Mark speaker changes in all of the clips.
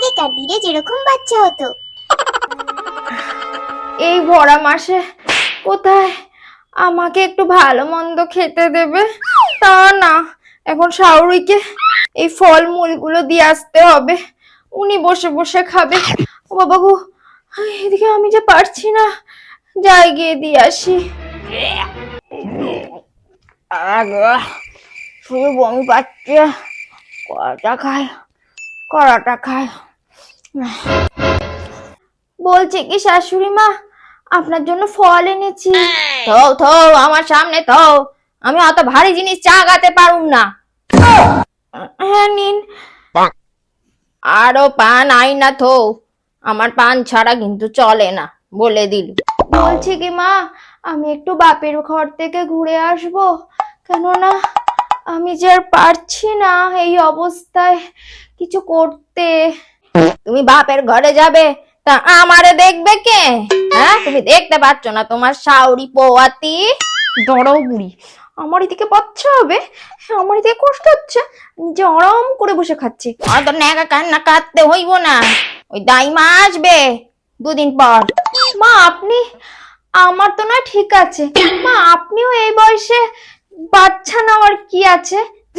Speaker 1: আগেকার দিনে যেরকম বাচ্চা হতো।
Speaker 2: এই ভরা মাসে কোথায় আমাকে একটু ভালো মন্দ খেতে দেবে? তা না, এখন শাওরিকে এই ফলমূলগুলো দিয়ে আসতে হবে, উনি বসে বসে খাবে। ও বাবা গো, এদিকে আমি যে পারছি না, যাই গিয়ে দিয়ে আসি। শুধু বমি পাচ্ছে, কড়াটা খায়। বলছি কি শাশুড়ি মা, আপনার জন্য ফল এনেছি। থো থো, আমার সামনে থো, আমি অত ভারী জিনিস চাগাতে পারুম না। হ্যাঁ নিন। আরো পান আই না থো, আমার পান ছাড়া কিন্তু চলে না, বলে দিলি। বলছি কি মা, আমি একটু বাপের ঘর থেকে ঘুরে আসবো, কেননা আমি যে আর পারছি না এই অবস্থায় কিছু করতে। তুমি বাপের ঘরে যাবে, তা আমারে দেখবে কে? হ্যাঁ, তুমি দেখতে পাচ্ছ না তোমার শাওরি পোয়াতি? দড়াও বুড়ি, আমার এদিকে বাচ্চা হবে, আমার এদিকে কষ্ট হচ্ছে, নিজে আরাম করে বসে খাচ্ছি। আর তো ন্যাকা কান্না কাঁদতে হইব না, ওই দাইমা আসবে দুদিন পর। মা আপনি, আমার তো না ঠিক আছে মা, আপনিও এই বয়সে বাচ্চা নেওয়ার কি আছে?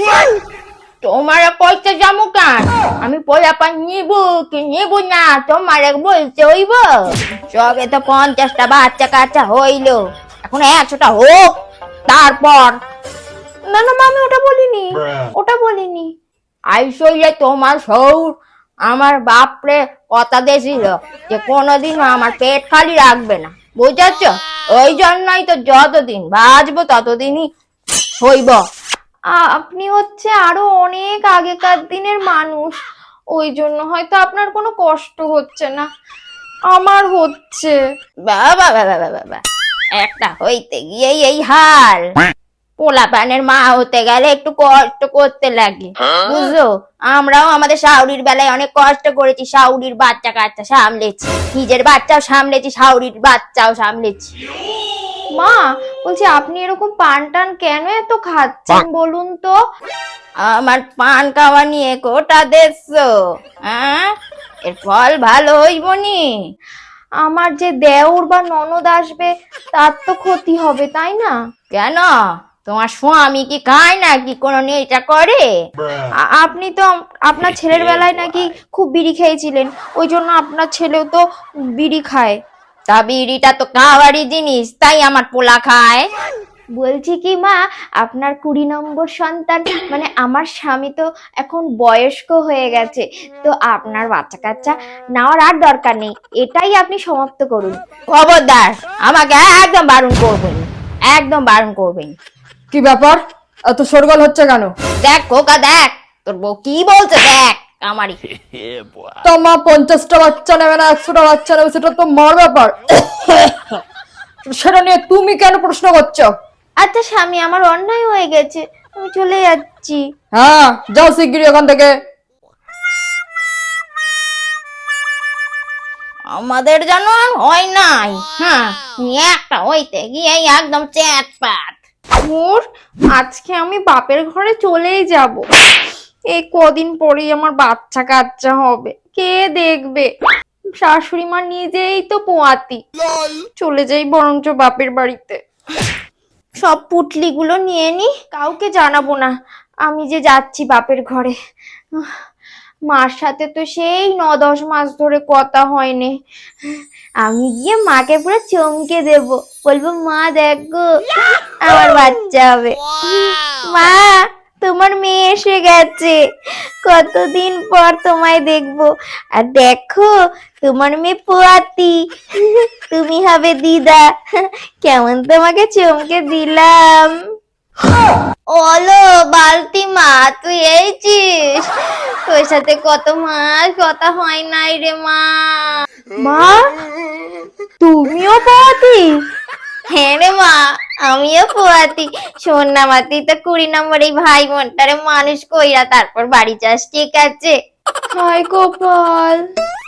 Speaker 2: তোমার কইতে যাবো কেন? আমি পোলাপা নিব কি নিব না তোমার বলতে হইব? সবে তো 50টা বাচ্চা কাচ্চা হইলো, এখন 100টা হোক তারপর। না না মা, আমি ওটা বলিনি। আইসইলে তোমার সৌর আমার বাপরে কথা দিয়েছিল যে কোনোদিনও আমার পেট খালি রাখবে না, বুঝাচ্ছ? ওই জন্যই তো যতদিন বাঁচবো ততদিনই হইব। আপনি হচ্ছে আরো অনেক আগেকার দিনের মানুষ, ওই জন্য হয়তো আপনার কোনো কষ্ট হচ্ছে না, আমার হচ্ছে। বাবা বাবা বাবা, একটা হইতে গিয়ে এই হাল। পোলা পানের মা হতে গেলে একটু কষ্ট করতে লাগে, বুঝলো? আমরাও আমাদের শাওরির বেলায় অনেক কষ্ট করেছি, শাওরির বাচ্চা কাচ্চা সামলেছি, নিজের বাচ্চাও সামলেছি, শাওরির বাচ্চাও সামলেছি। মা বলছি, আপনি এরকম পান টান কেন এত খাচ্ছেন বলুন তো? আমার পান খাওয়া নিয়ে কোটা দেখছো? হ্যাঁ, এর ফল ভালো হইব নি? আমার যে দেওর বা ননদ আসবে তার তো ক্ষতি হবে, তাই না? কেন, তোমার স্বামী কি খায় নাকি কোনো নেশা করে? আপনি তো আপনার ছেলের বেলায় নাকি খুব বিড়ি খেয়েছিলেন, ওই জন্য আপনার ছেলেও তো বিড়ি খায়। তা বিড়িটা তো খাওয়ারই জিনিস, তাই আমার পোলা খায়। বলছি কি মা, আপনার 20 নম্বর সন্তান মানে আমার স্বামী তো এখন বয়স্ক হয়ে গেছে, তো আপনার বাচ্চা কাচ্চা নেওয়ার আর দরকার নেই, এটাই আপনি সমাপ্ত করুন। খবরদার, আমাকে একদম বারণ করবেন, একদম বারণ করবেন।
Speaker 3: কি ব্যাপার, এত শোরগোল হচ্ছে কেন?
Speaker 2: দেখ খোকা দেখ, তোর বউ কি বলছে দেখ। আমারই
Speaker 3: তো মা 50টা বাচ্চা নেবে না 100টা বাচ্চা নেবে, সেটা তো মার ব্যাপার। সেটা নিয়ে তুমি কেন প্রশ্ন করছো?
Speaker 2: আচ্ছা স্বামী, আমার অন্যায় হয়ে গেছে, আমি চলে যাচ্ছি।
Speaker 3: হ্যাঁ যাও শিগগিরই এখান থেকে।
Speaker 2: আমাদের যেন হয় নাই, হ্যাঁ, একটা হইতে গিয়ে একদম চ্যাটপাট। মোর আজকে আমি বাপের ঘরে চলেই যাব, এই কদিন পরেই আমার বাচ্চা কাচ্চা হবে, কে দেখবে? শাশুড়ি মা নিজেই তো পোয়াতি, চলে যাই বরঞ্চ বাপের বাড়িতে। সব পুটলিগুলো নিয়ে নি, কাউকে জানাবো না আমি যে যাচ্ছি বাপের ঘরে। মার সাথে তো সেই 9-10 মাস ধরে কথা হয়নি, আমি গিয়ে মাকে পুরো চমকে দেব, বলবো মা দেখো আমার বাচ্চা হবে, মা তোমার মেয়ে এসে গেছে, কতদিন পর তোমায় দেখবো, আর দেখো তোমার মেয়ে পোয়াতি, তুমি হবে দিদা। কেমন তোমাকে চমকে দিলাম। ওলো বালতি মা, তুই এইছিস? তোর সাথে কত মাস কথা হয় নাই রে মা। মা তুমিও পোয়াতি? হ্যাঁ রে মা, আমিও পোয়াতি। শোন না মা, তুই তো 20 নম্বর এই ভাই বোনটারে মানুষ কইরা তারপর বাড়ি যাস, ঠিক আছে? হায় গোপাল।